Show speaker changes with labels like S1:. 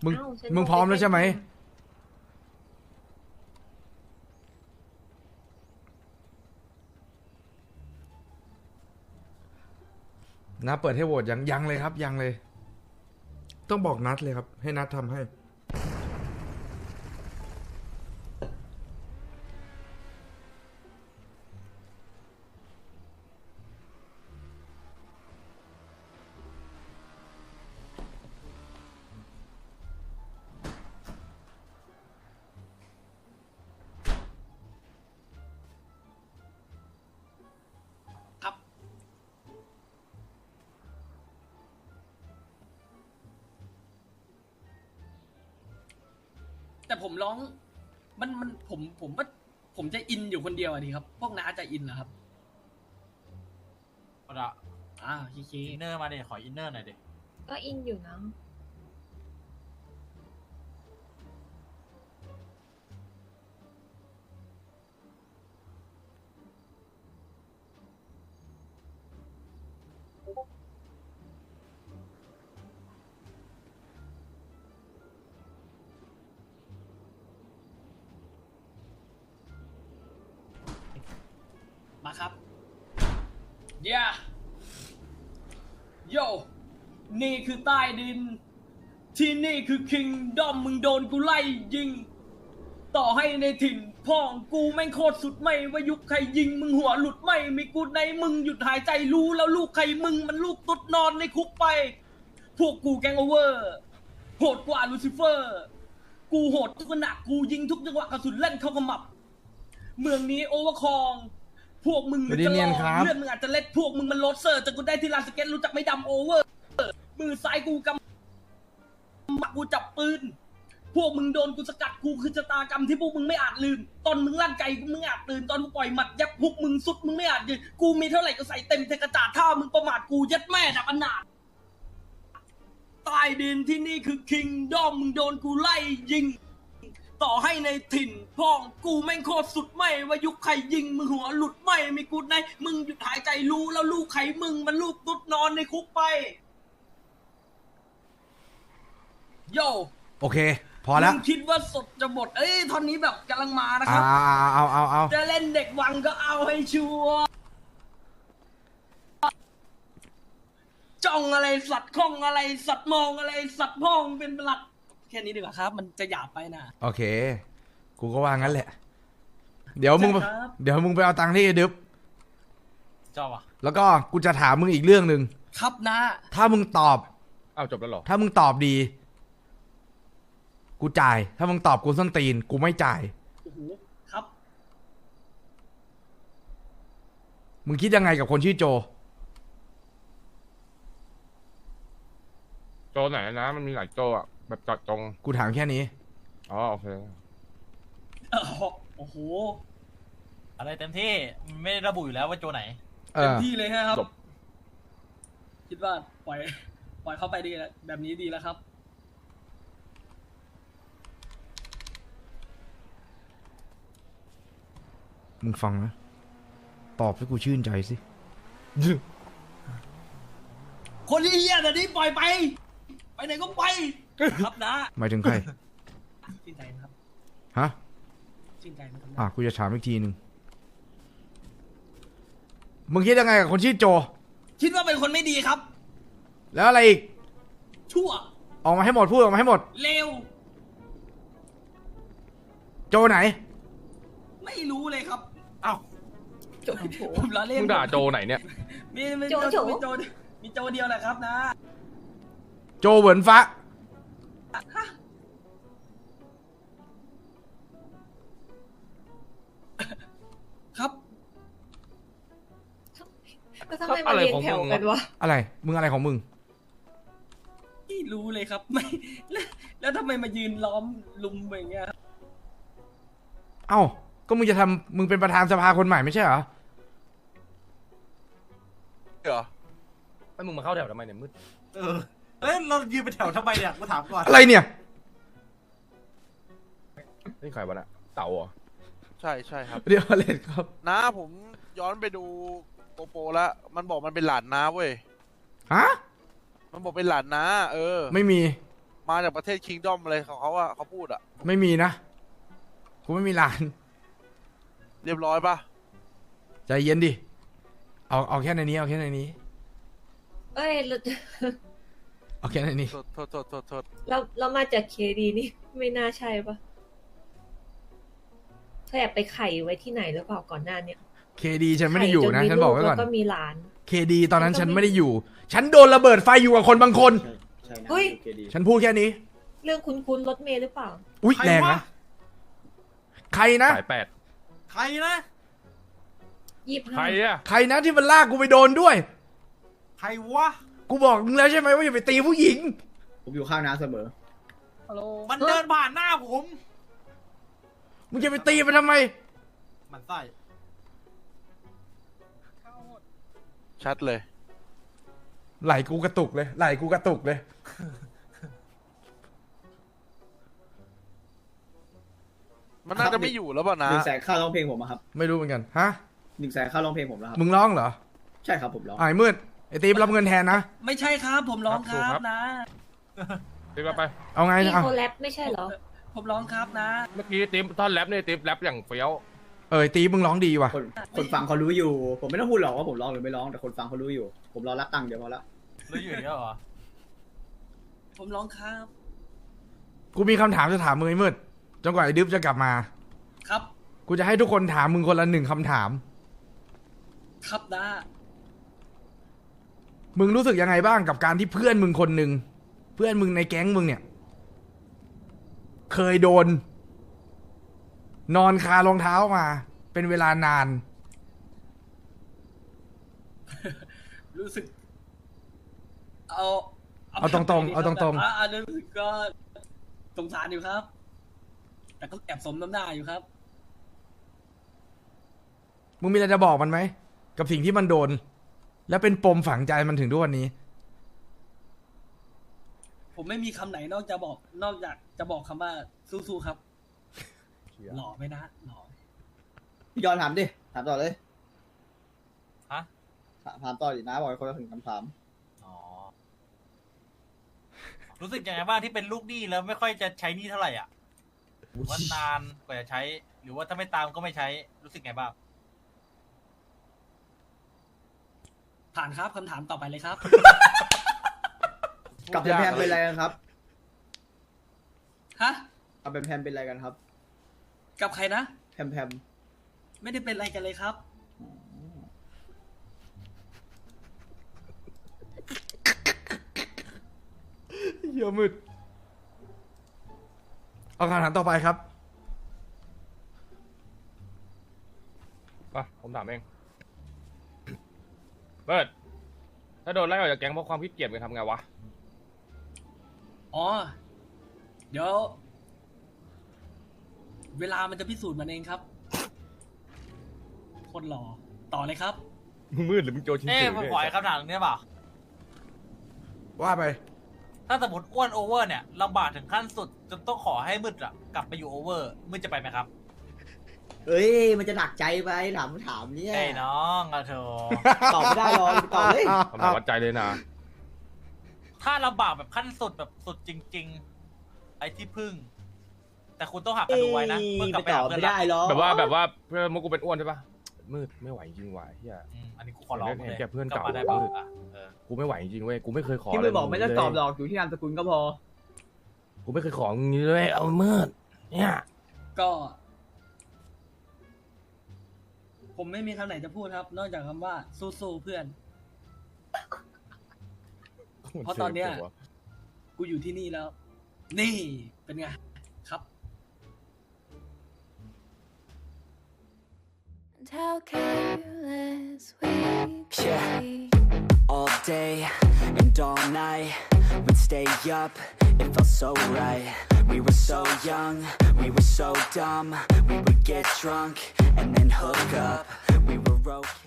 S1: มึง
S2: อ้าวฉัน
S1: มึงพร้อมแล้วใช่ไหมนะเปิดให้โหวตยังเลยครับยังเลย ต้องบอกนัดเลยครับ ให้นัดทำให้
S3: ครับ แต่ผมร้อง ผมว่าผมจะอินอยู่คนเดียวอ่ะดีครับ พวกน้าจะอินเหรอครับ
S4: เอาละ
S3: โอเค
S4: อินเนอร์มาดิขออินเนอร์หน่อยดิ
S2: ก็อินอยู่นะ
S3: มาครับเย่โยนี่คือใต้ดิน ที่นี่คือคิงดอมมึงโดนกูไล่ยิง ต่อให้ในถิ่นพ่องกูแม่งโคตรสุดไม่ว่ายุคใครยิงมึงหัวหลุดไม่มีกูในมึงหยุดหายใจรู้แล้วลูกใครมึงมันลูกตุ๊ดนอนในคุกไป พวกกูแกงโอเวอร์โหดกว่าลูซิเฟอร์ กูโหดทุกขณะกูยิงทุกจังหวะกระสุนเล่นเข้าขมับ เมืองนี้โอเวอร์คอง พวกมึงหรือจะลองเลือดมึงอาจจะเล็ดพวกมึงมันโรดเซอร์แต่กูได้ที่ลานสเก็ตรู้จักไม่ดำโอเวอร์มือซ้ายกูกำมักกูจับปืน พวกมึงโดนกูสกัดกูคือชะตากรรมที่พวกมึงไม่อาจลืม ตอนมึงลั่นไกกูมึงอาจตื่นตอนกูปล่อยหมัดยับพวกมึงสุดมึงไม่อาจยืนกูมีเท่าไหร่ก็ใส่เต็มเทกระจาดถ้ามึงประมาทกูยัดแม่ดับอนาถใต้ดินที่นี่คือคิงดอมมึงโดนกูไล่ยิง ต่อให้ในถิ่นพ่องกูแม่งโคตรสุดไม่ว่ายุคใครยิงมึงหัวหลุดไม่มีกูในมึงหยุดหายใจรู้แล้วลูกใครมึงมันลูกตุ๊ดนอนในคุกไปโย
S1: โอเค พอแล้ว
S3: มึงคิดว่าสดจะหมดท่อนนี้แบบกำลังมานะค
S1: เอา
S3: รับ
S1: เอา
S3: จะเล่นเด็กวังก็เอาให้ชัวร์จ้องอะไรสัตว์ข้องอะไรสัตว์มองอะไรสัตว์พ้องเป็นหลักแค่นี้ดีกว่าครับ มันจะหยาบไปนะ
S1: โอเค กูก็ว่างั้นแหละ เดี๋ยวมึง
S3: ใช่ครับ
S1: เดี๋ยวมึงไปเอาตังค์ที่ไอ้ดึบ
S4: เจ้าอ่ะ
S1: แล้วก็กูจะถามมึงอีกเรื่องหนึ่ง
S3: ครับนะ
S1: ถ้ามึงตอบ
S5: อ้าวจบแล้วเหรอ
S1: ถ้ามึงตอบดี กูจ่าย ถ้ามึงตอบกูส้นตีน กูไม่จ่าย
S3: โอ้โหครับ
S1: มึงคิดยังไงกับคนชื่อโจ
S5: โจไหนนะมันมีหลายโจอ่ะแบบเจาะจง
S1: กูถามแค่นี้
S5: อ๋อโอเค
S3: โอ้โห
S4: อะไรเต็มที่ไม่ได้ระบุอยู่แล้วว่าโจไหน
S1: เอ
S3: เต็ม
S1: อ
S3: ที่เลยครับ
S5: จบ
S3: คิดว่าปล่อยเข้าไปดีแล้วแบบนี้ดีแล้วครับ
S1: มึงฟังนะ ตอบให้กูชื่นใจสิ
S3: คนที่เฮี้ยแต่นี้ปล่อยไป ไปไหนก็ไป ครับนะ
S1: หมายถึงใคร
S3: ชื่นใจนะครับ
S1: ฮะ
S3: ชื่นใจนะครับ
S1: อ่ะ กูจะถามอีกทีหนึ่ง มึงคิดยังไงกับคนชื่อโจ
S3: คิดว่าเป็นคนไม่ดีครับ
S1: แล้วอะไรอีก
S3: ชั่ว
S1: ออกมาให้หมด พูดออกมาให้หมด
S3: เลว
S1: โจไหน
S3: ไม่รู้เลยครับ
S4: อ้าว
S2: โจโฉ
S3: ผมล้อเล่น
S5: มึงด่าโจไหนเนี่ย
S3: มี
S2: โจโฉ
S3: มีโจเดียวแหละครับนะ
S1: โจเหวินฟ้า
S3: ครับ
S2: แล้วทำไมมาเรียงแถวกันวะ
S1: อะไร มึงอะไรของมึง
S3: ไม่รู้เลยครับ ไม่แล้วทำไมมายืนล้อมลุมอย่างเงี้ยครับ
S1: เอ้า ก็มึงจะทำมึงเป็นประธานสภาคนใหม่ไม่ใช่เหรอ
S5: เหรอไอ้มึงมาเข้าแถวทำไมเนี่ยมืด
S4: เออเอ้ยเรายืนเป็นแถวทำไมเนี่ยกูถามก่อน
S1: อะไรเนี่ย
S5: นี่ใครวะน่ะเต่าเหรอ
S6: ใช่ใช่ครับ
S1: เดี๋ยวเลนครับ
S6: น้าผมย้อนไปดูโปโปแล้ว มันบอกมันเป็นหลานน้าเว้ย
S1: ฮะ
S6: มันบอกเป็นหลานน้า เออ
S1: ไม่มี
S6: มาจากประเทศคิงดอมอะไรของเขาอะเขาพูดอะ
S1: ไม่มีนะ กูไม่มีหลาน
S6: เรียบร้อยปะ
S1: ใจเย็นดิ เอาแค่ในนี้ เอาแค่ในนี้
S2: เอ้ยเรา
S1: เอาแค่ในนี้
S6: โทษ
S2: เรามาจากเคดีนี่ไม่น่าใช่ปะเธอแอบไปไข่ไว้ที่ไหนหรือเปล่าก่อนหน้าเนี่ย
S1: เคดีฉันไม่ได้อยู่นะ
S2: ข่
S1: ฉันบอกไว้
S2: ลู
S1: ก่อน
S2: แล้วก็มีหลาน
S1: เคดีตอนนั้นฉันไม่ได้อยู่ ฉันโดนระเบิดไฟอยู่กับคนบางคน
S7: ใช่นะ
S2: เฮ้ย
S7: เคดี
S1: ฉันพูดแค่นี้
S2: เรื่องคุ้นๆรถเมล์หรือเปล่า
S1: อุ๊ย
S4: ใคร
S1: แรง
S4: วะ
S1: นะ ใครนะ
S5: สาย8
S4: ใครนะ
S5: ใคร
S2: 25
S5: อะ
S1: ใครนะที่มันลากกูไปโดนด้วย
S4: ใครวะ
S1: กูบอกมึงแล้วใช่ไหมว่าอย่าไปตีผู้หญิง
S7: ผมอยู่ข้างน้าเสมอ
S3: ฮัลโหล
S4: มันเดินผ่านหน้าผม
S1: มึงจะไปตีมันทำไม
S4: มันไส้
S6: ชัดเลย
S1: ไหลกูกระตุกเลย ไหลกูกระตุกเลย
S6: มันน่าจะไม่อยู่แล้วป่ะนะ
S7: 100,000ค่าร้องเพลงผมอะครับ
S1: ไม่รู้เหมือนกัน ฮะ
S7: 100,000ค่าร้องเพลงผมแล้วครับ
S1: มึงร้องเหรอ
S7: ใช่ครับผมร้อง
S1: ไอ้มืด ไอ้ตีมรับเงินแทนนะ
S3: ไม่ใช่ครับ ผมร้องครับนะ
S5: ติ๊บไป
S1: เอาไง
S2: พี่
S1: เอา
S2: โคแรปไม่ใช่เหรอ
S3: ผมร้องครับนะ
S5: เมื่อกี้ติ๊บท่อนแรปเนี่ยติ๊บแรปอย่างเฟี้ยว
S1: ไอ้ตีมึงร้องดีว่ะ
S7: คนฟังเขารู้อยู่ ผมไม่ต้องพูดหรอกว่าผมร้องหรือไม่ร้อง แต่คนฟังเขารู้อยู่ ผมรอรับตังค์เดี๋ยวพอละ
S4: รู้อยู่เยอะเหรอ
S3: ผมร้องครับ
S1: กูมีคำถามจะถามมึงไอ้มืดจนกว่าไอ้ดึ๊บจะกลับมา
S3: ครับ
S1: กูจะให้ทุกคนถามมึงคนละ1คำถาม
S3: ครับนะ
S1: มึงรู้สึกยังไงบ้างกับการที่เพื่อนมึงคนหนึ่งเพื่อนมึงในแก๊งมึงเนี่ย เคยโดน นอนคารองเท้ามา เป็นเวลานาน
S3: รู้สึก เอา
S1: เอาตรงๆเอาตรงๆ
S3: อันนั้นรู้สึกก็สงสารอยู่ครับ แต่ก็แอบสมน้ำหน้าอยู่ครับ
S1: มึงมีอะไรจะบอกมันไหมกับสิ่งที่มันโดน และเป็นปมฝังใจมันถึงทุกวันนี้
S3: ผมไม่มีคำไหนนอกจากจะบอกคำว่าสู้ๆครับ หล่อไหมนะหล่อ
S7: พี่ยอนถามดิ ถามต่อเลย
S4: ฮะ
S7: ถามต่อดินะบอกให้คนละถึงคำถาม
S4: อ๋อ รู้สึกยังไงบ้างที่เป็นลูกหนี้แล้วไม่ค่อยจะใช้หนี้เท่าไหร่อ่ะว่านานกว่าจะใช้ หรือว่าถ้าไม่ตามก็ไม่ใช้ รู้สึกไงบ้าง
S3: ผ่านครับคำถามต่อไปเลยครับ
S7: กับแพมเป็นอะไรกันครับ
S3: ฮะ
S7: กับแพมเป็นอะไรกันครับ
S3: กับใครนะ
S7: แพม
S3: ไม่ได้เป็นอะไรกันเลยครับ
S1: เหี้ยมืด เอาคำถามต่อไปครับ
S5: ป่ะผมถามเองเบิร์ดถ้าโดนไล่ออกจากแก๊งเพราะความขี้เกียจมึงทำไงวะ
S3: อ๋อ เดี๋ยว เวลามันจะพิสูจน์มันเองครับ คนหล่อต่อเลยครับ
S5: มึงมืดหรือมึงโจชิน
S4: เอ๊ะ
S5: เฉย
S4: ผมขออีกคำถามหนึงได้เปล่า
S1: ว่าไป
S4: ถ้าสมมติอ้วนโอเวอร์เนี่ยลำบากถึงขั้นสุดจนต้องขอให้มืดอะกลับไปอยู่โอเวอร์มืดจะไปไหมครับ
S7: เอ้ย มันจะหนักใจไปถามเนี่ย
S4: เอ้ยน้องอะเธอ
S7: ตอบไม่ได้หรอกตอบเลย
S5: คำถามวัดใจเลยนะ
S4: ถ้าลำบากแบบขั้นสุดแบบสุดจริง ๆ ไอ้ที่พึ่ง แต่คุณต้องหักกันดูไว้นะเมื่อกลับ
S7: ไป
S4: ไป
S7: ต
S4: หา
S7: อบ
S4: เพื่อน
S7: ไม่ได้หรอก
S5: แบบว่าเพื่อนมุกกูเป็นอ้วนใช่ปะมืดไม่ไหวจริงว่ะเฮีย
S4: อันนี้กูขอร้อง
S5: เห็น
S4: เลย
S5: แก่เพื่อน
S4: กลับ
S5: เก่า
S4: มาได้ป่ะเออ
S5: กูไม่ไหวจริงเว้ยกูไม่เคยขอ
S7: ที่
S5: เล
S7: มึ
S5: ย
S7: งบอกไม่ต้องตอบหรอกอยู่ที่นามสกุลก็พอ
S5: กูไม่เคยขออย่างนี้เลยเอามืดเนี่ย
S3: ก็ ผมไม่มีคำไหนจะพูดครับ นอกจากคำว่าสู้ๆเพื่อน เพราะตอนเนี้ย กูอยู่ที่นี่แล้ว นี่เป็นไงครับ
S8: And how careless we could
S9: Yeah.
S8: be.
S9: All day and all night, we'd stay up, it felt so right. We were so young, we were so dumb. We would get drunk and then hook up. We were okay.